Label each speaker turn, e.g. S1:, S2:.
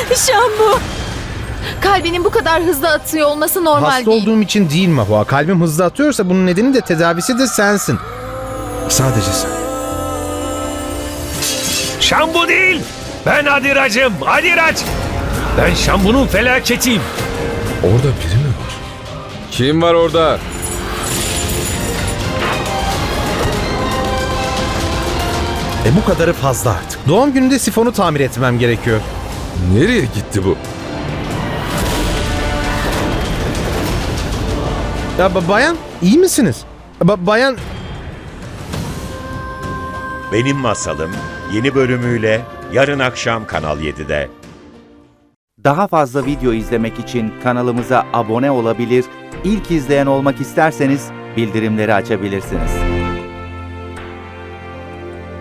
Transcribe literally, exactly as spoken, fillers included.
S1: Şambu. Kalbinin bu kadar hızlı atıyor olması normal
S2: Hasta
S1: değil.
S2: olduğum için değil Mahua. Kalbim hızlı atıyorsa bunun nedeni de tedavisi de sensin. Sadece sen.
S3: Şambu değil. Ben Adirac'ım. Adirac. Ben Şambu'nun felaketiyim.
S4: Orada biri mi var? Kim var orada?
S2: E bu kadarı fazla artık. Doğum gününde sifonu tamir etmem gerekiyor.
S4: Nereye gitti bu?
S2: Ya ba- bayan iyi misiniz? Ba- bayan
S5: Benim Masalım yeni bölümüyle yarın akşam Kanal yedide.
S6: Daha fazla video izlemek için kanalımıza abone olabilir, ilk izleyen olmak isterseniz bildirimleri açabilirsiniz.